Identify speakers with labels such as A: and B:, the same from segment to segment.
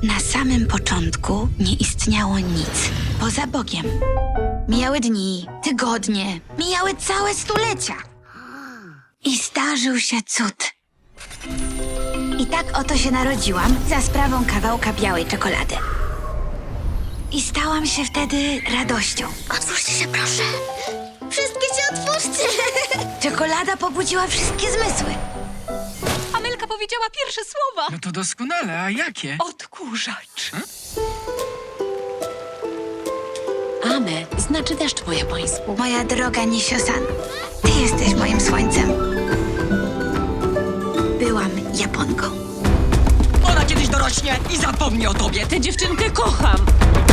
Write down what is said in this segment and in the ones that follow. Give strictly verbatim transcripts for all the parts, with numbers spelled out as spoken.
A: Na samym początku nie istniało nic poza Bogiem. Mijały dni, tygodnie, mijały całe stulecia. I zdarzył się cud. I tak oto się narodziłam za sprawą kawałka białej czekolady. I stałam się wtedy radością. Otwórzcie się, proszę. Wszystkie się otwórzcie. Czekolada pobudziła wszystkie zmysły.
B: Amelka powiedziała pierwsze słowa.
C: No to doskonale, a jakie?
B: Odkurzacz.
D: Ame znaczy deszcz po japońsku.
A: Moja droga Nisio-san, ty jesteś moim słońcem. Byłam Japonką.
B: Ona kiedyś dorośnie i zapomni o tobie.
D: Tę dziewczynkę kocham.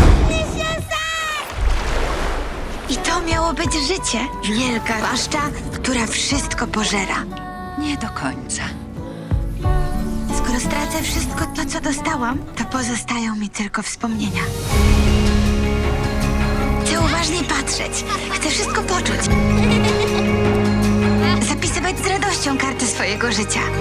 A: I to miało być życie. Wielka paszcza, która wszystko pożera.
B: Nie do końca.
A: Skoro stracę wszystko to, co dostałam, to pozostają mi tylko wspomnienia. Chcę uważnie patrzeć. Chcę wszystko poczuć. Zapisywać z radością karty swojego życia.